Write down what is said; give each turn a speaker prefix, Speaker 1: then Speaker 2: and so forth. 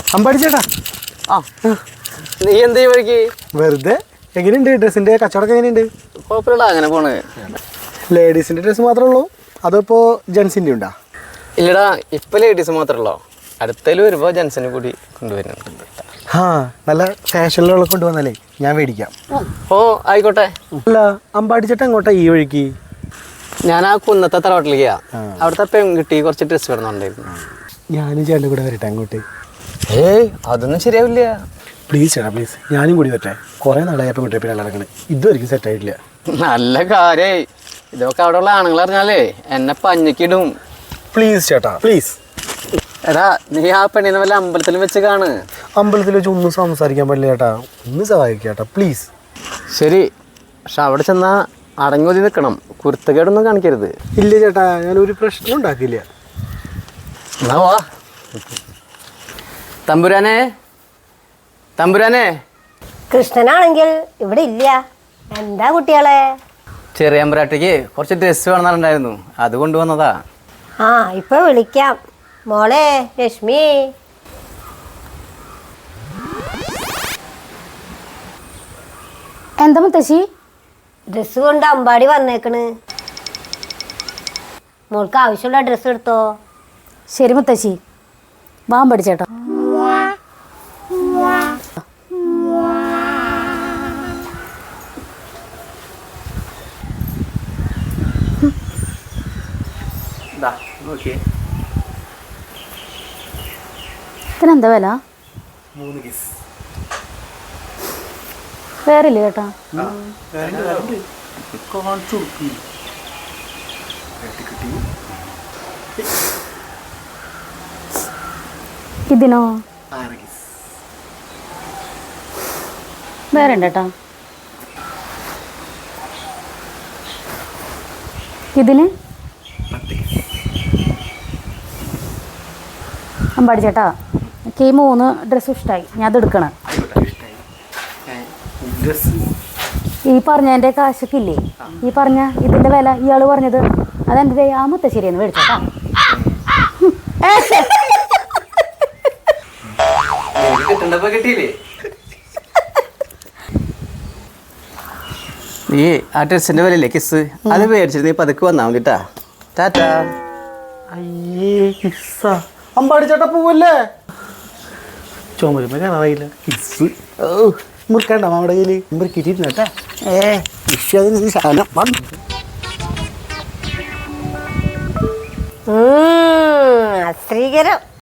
Speaker 1: അമ്പാടി ചേട്ടാ,
Speaker 2: ആ നീ എന്താ വഴിക്ക്
Speaker 1: വെറുതെ. എങ്ങനെയുണ്ട് ഡ്രസ്സിന്റെ കച്ചവടം? എങ്ങനെയുണ്ട്?
Speaker 2: കുഴപ്പമില്ല, അങ്ങനെ പോണ്.
Speaker 1: ലേഡീസിന്റെ ഡ്രസ്സ് മാത്രമേ ഉള്ളൂ അതോ ഇപ്പോൾ ജെൻസിന്റെ ഉണ്ടാ?
Speaker 2: ഇല്ലടാ, ഇപ്പൊ ലേഡീസ് മാത്രമല്ലോ, അടുത്തതിൽ വരുമ്പോ ജെൻസിനെ കൂടി കൊണ്ടുവരുന്നുണ്ട്.
Speaker 1: ആ, നല്ല ഫാഷനിലുള്ള കൊണ്ടുവന്നാലേ ഞാൻ മേടിക്കാം.
Speaker 2: ഓ ആയിക്കോട്ടെ.
Speaker 1: അല്ല, അമ്പാടി ചേട്ടാ എങ്ങോട്ടാ ഈ വഴിക്ക്?
Speaker 2: ഞാൻ ആ കുന്നത്തെ തറവാട്ടിലേക്കാ. അവിടുത്തെ പെൺകുട്ടി കുറച്ച് ഡ്രസ്സ് വരുന്നുണ്ടായിരുന്നു.
Speaker 1: ഞാനും ചേട്ടൻ്റെ കൂടെ വരട്ടെ അങ്ങോട്ട്?
Speaker 2: ഏയ് അതൊന്നും ശരിയാവില്ല.
Speaker 1: പ്ലീസ് ചേട്ടാ പ്ലീസ്, ഞാനും കൂടി വരട്ടെ. കുറേ നാളായി അപ്പം കുട്ടിയെ പിന്നെ നടക്കണേ, ഇതുവരെയും സെറ്റ് ആയിട്ടില്ല.
Speaker 2: നല്ല കാര്യായി. ഇതൊക്കെ അവിടെ ഉള്ള ആണുങ്ങൾ അറിഞ്ഞാലേ എന്നെ പഞ്ഞക്കിടും.
Speaker 1: പ്ലീസ് ചേട്ടാ പ്ലീസ്.
Speaker 2: എടാ, നീ ആ പെണ്ണിനെ വല്ല അമ്പലത്തിലും വെച്ച് കാണ്.
Speaker 1: അമ്പലത്തിൽ വെച്ച് ഒന്നും സംസാരിക്കാൻ പറ്റില്ല ചേട്ടാ, ഒന്ന് സഹായിക്കുക ചേട്ടാ പ്ലീസ്.
Speaker 2: ശരി, പക്ഷെ അവിടെ ചെന്നാ അടങ്ങി നിൽക്കണം, കുരുത്തക്കേടൊന്നും കാണിക്കരുത്.
Speaker 1: ഇല്ല ചേട്ടാ, ഞാനൊരു പ്രശ്നം ഉണ്ടാക്കില്ല.
Speaker 2: എന്നാ വാ. തമ്പുരാനെ, തമ്പുരാനെ.
Speaker 3: കൃഷ്ണനാണെങ്കിൽ ഇവിടെ ഇല്ല. എന്താ കുട്ടികളെ?
Speaker 2: ചെറിയ അമ്പരാട്ടിക്ക് കുറച്ച് ഡ്രസ്സ് വേണമെന്നുണ്ടായിരുന്നു, അത് കൊണ്ടുവന്നതാ.
Speaker 3: ആ, ഇപ്പൊ വിളിക്കാം. മോളെ രശ്മി.
Speaker 4: എന്താ മുത്തശ്ശി?
Speaker 3: ഡ്രസ്സ് കൊണ്ട് അമ്പാടി വന്നേക്കണ്. മോൾക്ക് ആവശ്യമുള്ള ഡ്രസ്സ് എടുത്തോ.
Speaker 4: ശരി മുത്തശ്ശി, വാ പഠിച്ചേട്ടോ. ഇതിനെന്താ വില? വേറില്ല ചേട്ടാ. ഇതിനോ? വേറെ ഉണ്ട് ചേട്ടാ. ഇതിന് അമ്പാടി ചേട്ടാ, എനിക്ക് ഈ 3 ഡ്രസ്സും ഇഷ്ടമായി, ഞാൻ അത് എടുക്കണം. ഈ പറഞ്ഞതിൻ്റെ കാശൊക്കെ ഇല്ലേ, ഈ പറഞ്ഞ ഇതിൻ്റെ വില ഇയാൾ പറഞ്ഞത് അതെൻ്റെ ആ മുത്തശ്ശേരിയെന്ന് മേടിച്ചോട്ടാ.
Speaker 2: നീ ആ ഡ്രസ്സിന്റെ വിലയില്ലേ കിസ്, അത് മേടിച്ചിട്ട് നീ പതുക്കെ വന്നാ മതിട്ടാ. ടാറ്റാ.
Speaker 1: അയ്യേ കിസ്സാ, അമ്പാടി ചേട്ടാ പോവല്ലേ? ചുമരുമ്പോ കാണാറിയില്ല കിസ്. ഓ, മുറുക്കണ്ട നമ്മുടെ കയ്യിൽ മുറുക്കിട്ടിരുന്നേട്ടാ. വിശ്വാസം സാധനം വന്നു.
Speaker 3: അശ്രീകരം.